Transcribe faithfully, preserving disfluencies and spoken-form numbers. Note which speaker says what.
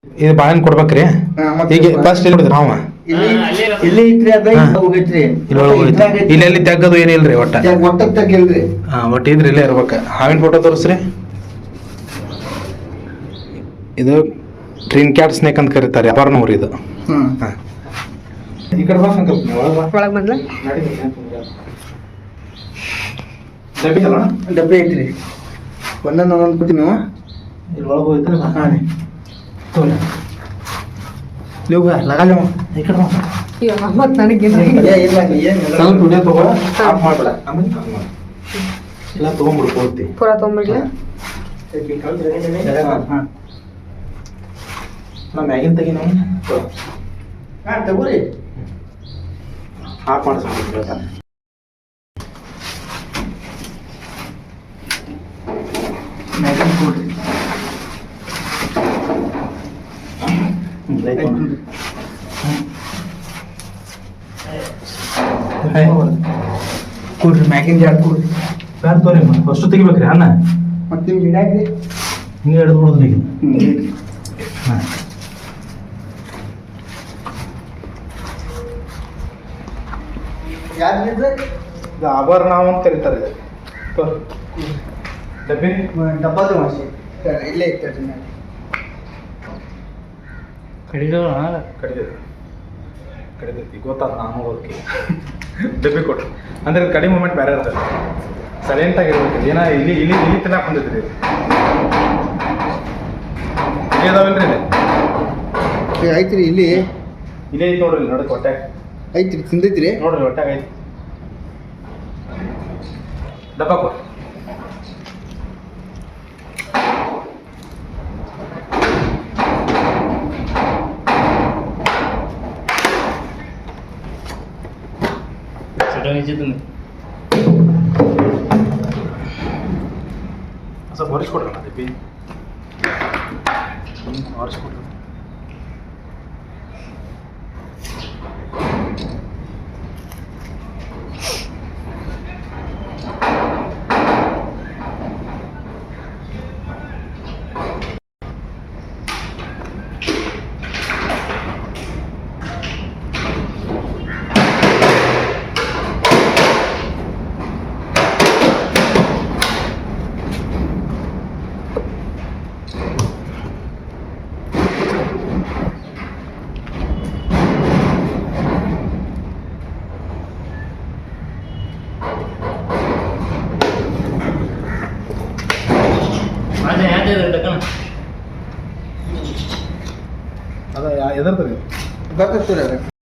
Speaker 1: ಇದು ಬಾಳೆಹಣ್ಣು ಕೊಡ್ಬೇಕ್ರಿ. ಈಗ ಫಸ್ಟ್ ಎಲ್ಲಿ ಕೊಡಿದ್ರಿ ನಾವು
Speaker 2: ಇಲ್ಲಿ ಐತ್ರಿ ಅದ ಹೋಗೈತ್ರಿ
Speaker 1: ಇಲ್ಲೆಲ್ಲಿ ತೆಗ್ಗದು ಏನಿಲ್ರಿ ಒಟ್ಟ
Speaker 2: ಒಟ್ಟ ತೆಗಿಲ್ರಿ.
Speaker 1: ಹಾ ಒಟ್ಟು ಇದ್ರಿ ಇಲ್ಲೇ ಇರ್ಬೇಕ. ಹಾವಿನ ಫೋಟೋ ತೋರಿಸ್ರಿ. ಇದು ಟ್ರಿನ್ ಕ್ಯಾಟ್ ಸ್ನೇಕ್ ಅಂತ ಕರೀತಾರೆ. ಅಪರ್ಣವ್ರಿ ಇದು. ಹಾ ಈ ಕಡೆ ಬಾ ಸಂಕಲ್ಪ
Speaker 3: ಒಳಗೆ ಬಂದ್ಲ
Speaker 1: ಡಬ್ಬಿ ಅಲ್ಲ
Speaker 2: ಡಬ್ಬಿ ಐತ್ರಿ. ಒಂದೊಂದು ಒಂದೊಂದು ಕೊಡ್ತೀವಿ ನೀವು
Speaker 1: ಇಲ್ಲಿ ಒಳಗೆ ಹೋಯ್ತು.
Speaker 2: ಹಾಂ ರೀ ತೋರಿ ಲಗಾಲ ಈ ಕಡೆ
Speaker 3: ಮತ್ತೆ ನನಗೆ
Speaker 1: ಸ್ವಲ್ಪ ವಿಡಿಯೋ ತಗೋ ಆಫ್ ಮಾಡ್ಬೇಡ. ಆಮೇಲೆ ಎಲ್ಲ ತೊಗೊಂಡ್ಬಿಡು ಪೂರ್ತಿ
Speaker 3: ಪೂರ ತೊಗೊಂಬಿಡ್ಲ.
Speaker 1: ಹಾಂ ನಾ ಮ್ಯಾಗಿನ ತೆಗಿ ನಾವು
Speaker 2: ಹಾಂ ತಗೋರಿ
Speaker 1: ಆಫ್ ಮಾಡಿಸ್ಬೇಕು.
Speaker 2: ಮ್ಯಾಗಿನ ಕೊಡ್ರಿ ಕೊಡ್ರಿ ಮ್ಯಾಗಿನ ಜಾಡ್ ಕೊಡ್ರಿ.
Speaker 1: ಬ್ಯಾಡ ತೋರಿ ಫಸ್ಟ್ ತೆಗಿಬೇಕ್ರಿ ಅನ್ನ.
Speaker 2: ಮತ್ತೆ ನಿಮ್ಗೆ ಗಿಡ ಹಾಕ್ರಿ
Speaker 1: ಹಿಂಗೆ ಹಿಡಿದು ಬಿಡೋದ್ರಿ ಈಗ. ಹಾಂ
Speaker 2: ಯಾರಿದ್ರೆ
Speaker 1: ಇದು ಆಭರಣ ಅಂತ ಕರೀತಾರೆ. ತೋರಿ ಡಬ್ಬಿ
Speaker 2: ಡಬ್ಬದ ಮಾಸಿ ಇಲ್ಲೇ ಇರ್ತದೆ ಮ್ಯಾಲೆ
Speaker 1: ಕಡಿದ ಕಡಿದೈತಿ ಕಡಿದೈತಿ ಗೊತ್ತಾದ ನಾನು ಹೋಗಿ ಡಬ್ಬಿ ಕೊಟ್ರು ಅಂದ್ರೆ ಕಡಿಮೆ ಮೂಮೆಂಟ್ ಬೇರೆ ಇರ್ತದೆ. ಸೈಲೆಂಟ್ ಆಗಿರ್ಬೇಕು. ಏನ ಇಲ್ಲಿ ಇಲ್ಲಿ ಇಲ್ಲಿ ತಿನ್ನಕ್ಕೆ ಬಂದೈತ್ರಿ. ಇಲ್ಲಿ ಅದಾವಲ್ರಿ ಇಲ್ಲಿ
Speaker 2: ಐತ್ರಿ ಇಲ್ಲಿ
Speaker 1: ಇಲ್ಲೇ ಐತಿ ನೋಡ್ರಿ. ಇಲ್ಲಿ ನೋಡಕ್ ಹೊಟ್ಟೆ
Speaker 2: ಐತ್ರಿ ತಿಂದೈತ್ರಿ
Speaker 1: ನೋಡ್ರಿ ಹೊಟ್ಟಾಗ ಐತಿ. ಡಬ್ಬ ಕೊಡ್ರಿ. ಸ್ವಲ್ಪ ಹೊರಿಸ್ಕೊಡ್ರಲ್ಲ ಡಬ್ಬಿ ಹೊರಿಸ್ಕೊಡ್ರಿ. ಅದ ಎದರ್ದ್ರಿ
Speaker 2: ಬರ್ತದೆ